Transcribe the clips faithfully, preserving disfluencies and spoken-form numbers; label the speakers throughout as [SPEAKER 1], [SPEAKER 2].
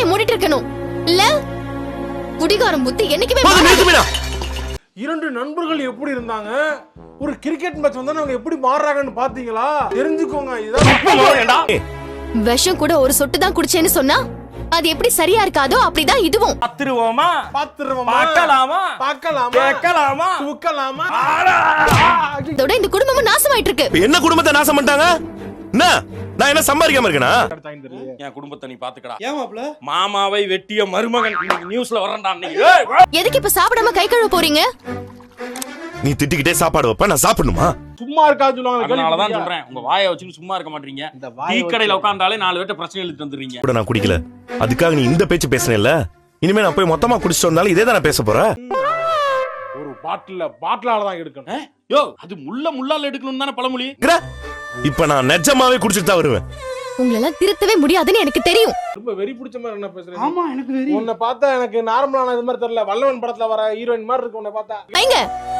[SPEAKER 1] வாயை மூடிட்டு இருக்கணும் இல்ல குடிகாரம் புத்தி என்னைக்குமே
[SPEAKER 2] இரண்டு நண்பர்கள் எப்படி இருந்தாங்க, ஒரு கிரிக்கெட் மேட்ச் வந்தா அவங்க எப்படி மாறுறாங்கன்னு பாத்தீங்களா? தெரிஞ்சுக்கோங்க. இதான்
[SPEAKER 1] விஷம் கூட ஒரு சொட்டு தான் குடிச்சேன்னு சொன்னா அது எப்படி சரியா இருக்காதோ அப்படிதான் இதுவும்.
[SPEAKER 2] பாத்துருவோமா பாத்துருவோமா பார்க்கலாமா பார்க்கலாமா கேட்கலாமா தூக்கலாமா?
[SPEAKER 1] இதோட இந்த குடும்பமும் நாசமாயிட்டு இருக்கு.
[SPEAKER 3] என்ன குடும்பத்தை நாசம் பண்ணிட்டாங்க? என்ன நான் என்ன சம்பாதிக்காம இருக்கேனா?
[SPEAKER 4] என் குடும்பத்தை நீ பாத்துக்கடா. ஏன் மாப்ள? மாமாவை வெட்டிய மருமகன் நியூஸ்ல வரண்டா நீ.
[SPEAKER 1] எதுக்கு இப்ப சாப்பிடாம கை கழுவ போறீங்க?
[SPEAKER 3] நீ திட்டிக்கிட்டே சாப்பாடு வைப்ப, நான் சாப்பிடணுமா?
[SPEAKER 2] சும்மா இருக்காது சொல்லுவாங்க.
[SPEAKER 4] அதனால தான் சொல்றேன், உங்க வாயை வச்சுட்டு சும்மா இருக்க மாட்டீங்க. டீ கடையில உட்கார்ந்தாலே நாலு பேர்ட்ட பிரச்சனை எழுதிட்டு வந்துறீங்க.
[SPEAKER 3] கூட நான் குடிக்கல, அதுக்காக நீ இந்த பேச்சு பேசனேல்ல. இனிமே நான் போய் மொத்தமா குடிச்சிட்டு வந்தாலும் இதே தான பேச போறேன்.
[SPEAKER 2] ஒரு பாட்டில்ல பாட்டிலால தான் எடுக்கணும்.
[SPEAKER 4] யோ, அது முள்ள முள்ளால எடுக்கணும் தானே பழமொழி.
[SPEAKER 3] இப்ப நான் நிஜமாவே குடிச்சிட்டு தான் வருவேன்.
[SPEAKER 1] உங்களெல்லாம் திருத்தவே முடியாதுன்னு எனக்கு தெரியும்.
[SPEAKER 2] ரொம்ப வெறி பிடிச்ச மாதிரி என்ன பேசுறீங்க?
[SPEAKER 4] ஆமா, எனக்கு வெறி.
[SPEAKER 2] உன்னை பார்த்தா எனக்கு நார்மலான இது மாதிரி தெரியல. வல்லவன் படத்துல வர ஹீரோயின் மாதிரி இருக்கு உன்னை பார்த்தா.
[SPEAKER 1] ஐங்க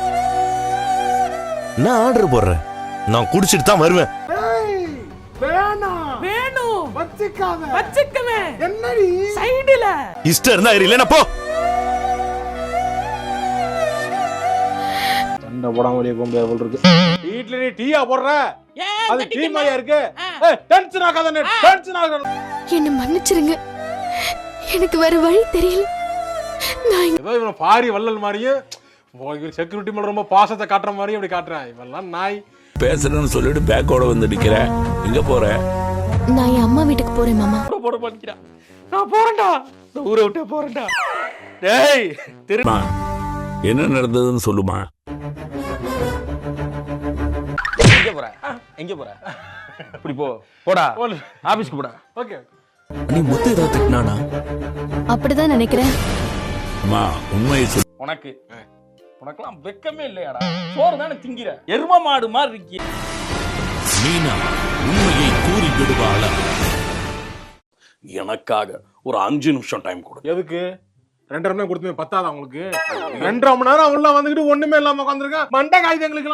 [SPEAKER 3] நான் ஆர்டர் போடுறேன், நான் குடிச்சிட்டு தான் வருவேன்.
[SPEAKER 2] வேணாம்
[SPEAKER 5] வேணும்
[SPEAKER 2] வச்சிக்காத
[SPEAKER 5] வச்சிக்கவே
[SPEAKER 2] என்னடி
[SPEAKER 5] சைடுல
[SPEAKER 3] இஷ்டம் இருந்தா இல்லைன்னா போ.
[SPEAKER 2] சண்டை போடாம வெளியே போக முடியாது போல இருக்கு. வீட்ல நீ டீயா போடுற, அது டீ மாதிரியா இருக்கு. ஏய் டென்ஷன் ஆகாத, நீ டென்ஷன் ஆகாத.
[SPEAKER 1] என்ன மன்னிச்சிருங்க, எனக்கு வேற வழி தெரியல. நான்
[SPEAKER 2] ஏதோ இவன் பாரி வள்ளல் மாதிரியே செக்யூரிட்டி மேல ரொம்ப பாசத்தை காட்டுற மாதிரி அப்படி காட்டுறேன். இவெல்லாம் நாய்.
[SPEAKER 6] பேசுறேன்னு சொல்லிட்டு பேக்கோட வந்து நிக்கிற. எங்க போற?
[SPEAKER 1] நான் என் அம்மா வீட்டுக்கு போறேன் மாமா.
[SPEAKER 4] போட பண்ணிக்கிறா. நான் போறேன்டா, இந்த ஊரை விட்டு போறேன்டா. டேய் திரும்ப
[SPEAKER 6] என்ன நடந்ததுன்னு சொல்லுமா.
[SPEAKER 4] எங்க போற? எங்க போற? இப்படி போ, போடா ஆபீஸ்க்கு போடா.
[SPEAKER 2] ஓகே,
[SPEAKER 6] நீ முத்து ஏதாவது திட்டினானா?
[SPEAKER 1] அப்படிதான் நினைக்கிறேன்.
[SPEAKER 6] அம்மா உண்மையை சொல்லு.
[SPEAKER 4] உனக்கு உனக்கெல்லாம் வெக்கமே இல்லையாடா? சோறு தானே திங்கிற, எரும மாடு மாதிரி இருக்கி.
[SPEAKER 6] மீனா உண்மையை கூறி விடுவாளா?
[SPEAKER 4] எனக்காக ஒரு அஞ்சு நிமிஷம் டைம் கொடு.
[SPEAKER 2] எதுக்கு? ரெண்டரை மணி நேரம் கொடுத்துமே பத்தாதா உங்களுக்கு? ரெண்டரை மணி நேரம் உள்ள வந்துகிட்டு ஒண்ணுமே இல்லாம உட்காந்துருக்கேன். மண்டை காயுது எங்களுக்கு.